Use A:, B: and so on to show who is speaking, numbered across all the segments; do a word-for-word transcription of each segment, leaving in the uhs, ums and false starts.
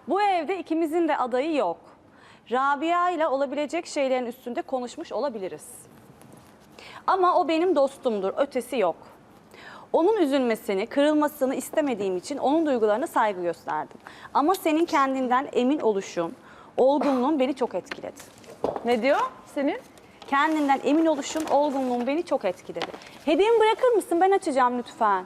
A: Bu evde ikimizin de adayı yok. Rabia ile olabilecek şeylerin üstünde konuşmuş olabiliriz. Ama o benim dostumdur, ötesi yok. Onun üzülmesini, kırılmasını istemediğim için onun duygularına saygı gösterdim. Ama senin kendinden emin oluşun, olgunluğun beni çok etkiledi.
B: Ne diyor senin?
A: Kendinden emin oluşun, olgunluğun beni çok etkiledi. Hediyemi bırakır mısın? Ben açacağım lütfen.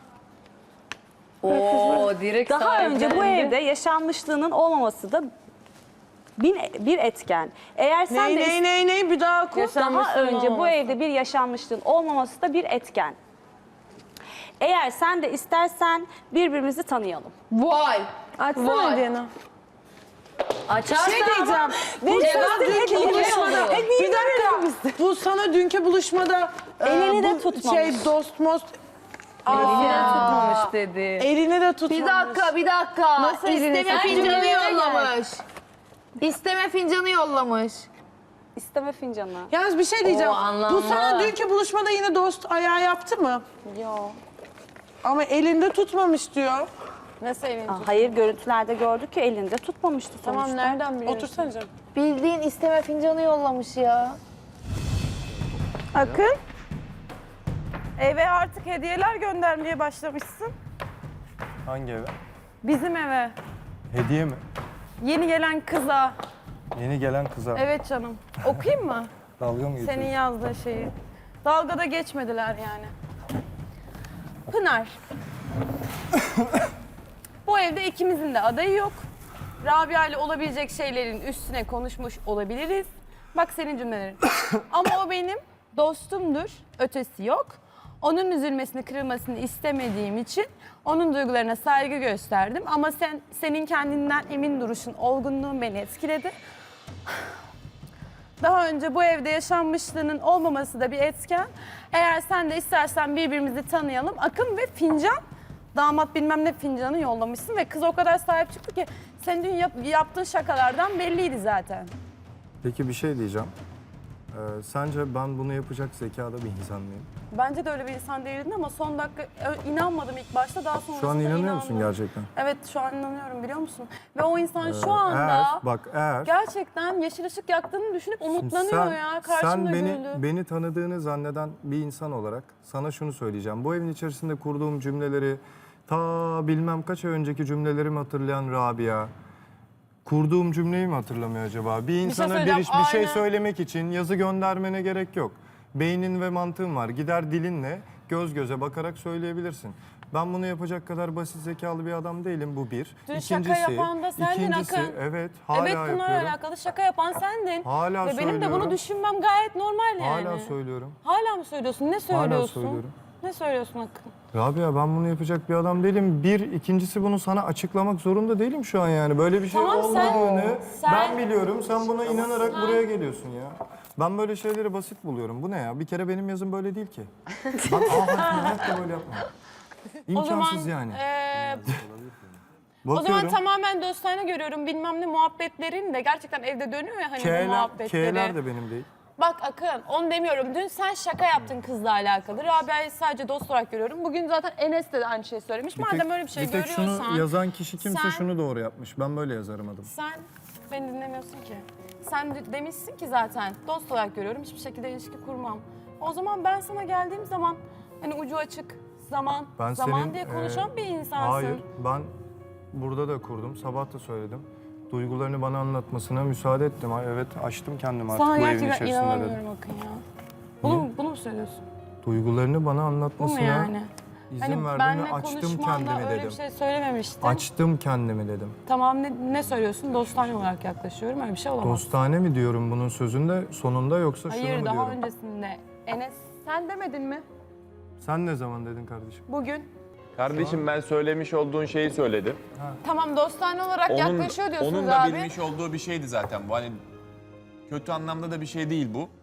C: Oo, direkt
A: Daha önce bu
C: sahiplendi.
A: evde yaşanmışlığının olmaması da bir, bir etken. Eğer sen
B: Ney
A: de
B: ney ney ney bir daha oku.
A: daha önce bu evde bir yaşanmışlığın olmaması da bir etken. Eğer sen de istersen birbirimizi tanıyalım.
C: Vay.
B: Açsana
C: Vay.
B: hediyeni.
C: Açarsa
B: Şey diyeceğim.
C: ama
B: Bu
C: cevap
B: sana dünkü
C: hediye
B: buluşmada.
C: olur.
B: Bir dakika. Bu sana dünkü buluşmada e,
A: Elini de
B: bu
A: tutmamış.
B: Şey dost most.
C: Elini
B: Aa,
C: tutmamış dedi.
B: Elini de tutmamış.
D: Bir dakika, bir dakika.
B: Nasıl elini
D: İsteme
B: sen
D: fincanı
C: cümlelere
D: yollamış. İsteme fincanı yollamış.
A: İsteme fincanı.
B: Yalnız bir şey diyeceğim.
C: O anlamda.
B: Bu sana dünkü buluşmada yine dost ayağı yaptı mı?
A: Yok.
B: Ama elinde tutmamış diyor. Nasıl elinde?
A: Aa, hayır, görüntülerde gördük ki elinde tutmamıştı sonuçta.
B: Tamam nereden biliyorsun? Otursana canım.
D: Bildiğin isteme fincanı yollamış ya.
E: Akın, eve artık hediyeler göndermeye başlamışsın.
F: Hangi eve?
E: Bizim eve.
F: Hediye mi?
E: Yeni gelen kıza.
F: Yeni gelen kıza.
E: Evet canım. Okuyayım mı?
F: Dalga mı geçiyorsun?
E: Senin yazdığın şeyi. Dalgada geçmediler yani. Pınar. Bu evde ikimizin de adayı yok. Rabia ile olabilecek şeylerin üstüne konuşmuş olabiliriz. Bak senin cümlelerin. Ama o benim dostumdur, ötesi yok. Onun üzülmesini, kırılmasını istemediğim için onun duygularına saygı gösterdim. Ama sen senin kendinden emin duruşun, olgunluğun beni etkiledi. Daha önce bu evde yaşanmışlığının olmaması da bir etken. Eğer sen de istersen birbirimizi tanıyalım. Akın ve fincan, damat bilmem ne fincanı yollamışsın ve kız o kadar sahip çıktı ki senin dün yap- yaptığın şakalardan belliydi zaten.
F: Peki bir şey diyeceğim. Ee, sence ben bunu yapacak zekada bir insan mıyım?
E: Bence de öyle bir insan değildin ama son dakika ö- inanmadım ilk başta, daha sonrasında
F: Şu an inanıyor
E: inandım.
F: musun gerçekten?
E: Evet, şu an inanıyorum, biliyor musun? Ve o insan şu
F: Ee,
E: anda
F: Eğer, bak eğer...
E: gerçekten yeşil ışık yaktığını düşünüp
F: Şimdi
E: umutlanıyor
F: sen,
E: ya. Karşımda
F: sen beni,
E: güldü.
F: beni tanıdığını zanneden bir insan olarak sana şunu söyleyeceğim. Bu evin içerisinde kurduğum cümleleri, ta bilmem kaç ay önceki cümlelerimi hatırlayan Rabia, kurduğum cümleyi mi hatırlamıyor acaba? Bir insana bir,
E: söyleyeceğim,
F: iş- bir şey
E: aynen.
F: söylemek için yazı göndermene gerek yok. Beynin ve mantığın var. Gider dilinle göz göze bakarak söyleyebilirsin. Ben bunu yapacak kadar basit zekalı bir adam değilim, bu bir.
E: Dün şaka yapan da sendin
F: ikincisi,
E: Akın.
F: evet hala
E: Evet, bunlarla
F: yapıyorum.
E: alakalı şaka yapan sendin.
F: Hala
E: Ve benim de
F: söylüyorum.
E: bunu düşünmem gayet normal yani.
F: Hala söylüyorum.
E: Hala mı söylüyorsun? Ne söylüyorsun?
F: söylüyorum.
E: Ne söylüyorsun Akın?
F: Rabia, ben bunu yapacak bir adam değilim. Bir, ikincisi bunu sana açıklamak zorunda değilim şu an yani. Böyle bir şey
E: Tamam, sen-
F: olmadığını
E: sen-
F: ben biliyorum. Sen buna inanarak buraya geliyorsun ya. Ben böyle şeyleri basit buluyorum. Bu ne ya? Bir kere benim yazım böyle değil ki. Ben aa hayatta böyle yapmam.
E: O zaman,
F: İmkansız yani.
E: eee, o
F: Bakıyorum.
E: zaman tamamen dostane görüyorum, bilmem ne muhabbetlerin de gerçekten evde dönüyor ya hani bu
F: K'ler,
E: muhabbetleri.
F: K'ler de benim değil.
E: Bak Akın, onu demiyorum. Dün sen şaka yaptın kızla alakalı. Rabia'yı sadece dost olarak görüyorum. Bugün zaten Enes de aynı şeyi söylemiş.
F: Bir
E: Madem
F: tek-
E: öyle bir şey
F: bir tek
E: görüyorsan...
F: şunu yazan kişi kimse
E: sen-
F: şunu doğru yapmış. Ben böyle yazarım adım.
E: Sen beni dinlemiyorsun ki. Sen de- demişsin ki zaten dost olarak görüyorum, hiçbir şekilde ilişki kurmam. O zaman ben sana geldiğim zaman hani ucu açık, zaman,
F: Ben
E: zaman
F: senin,
E: diye konuşan
F: e,
E: bir insansın.
F: Hayır, ben burada da kurdum, sabah da söyledim. Duygularını bana anlatmasına müsaade ettim. Ay, evet, açtım kendimi artık
E: Sana
F: bu evin
E: gerçekten
F: içerisinde dedim.
E: inanamıyorum Akın ya. Bunu, mu- bunu mu söylüyorsun?
F: Duygularını bana
E: Bu mu
F: anlatmasına
E: yani?
F: izin
E: Hani
F: verdim
E: benle
F: ve açtım
E: konuşmanda
F: kendimi
E: öyle
F: dedim.
E: bir şey söylememiştin.
F: Açtım kendimi dedim.
E: Tamam, ne, ne söylüyorsun? Dostane olarak yaklaşıyorum. Öyle bir şey olamaz.
F: Dostane mi diyorum bunun sözünde sonunda, yoksa şunu
E: Hayır,
F: mu
E: daha
F: diyorum?
E: öncesinde. Enes, sen demedin mi?
F: Sen ne zaman dedin kardeşim?
E: Bugün.
G: Kardeşim ben söylemiş olduğun şeyi söyledim.
E: Tamam, dostane olarak
G: Onun,
E: yaklaşıyor diyorsunuz
G: onun da
E: abi.
G: bilmiş olduğu bir şeydi zaten bu. Hani kötü anlamda da bir şey değil bu.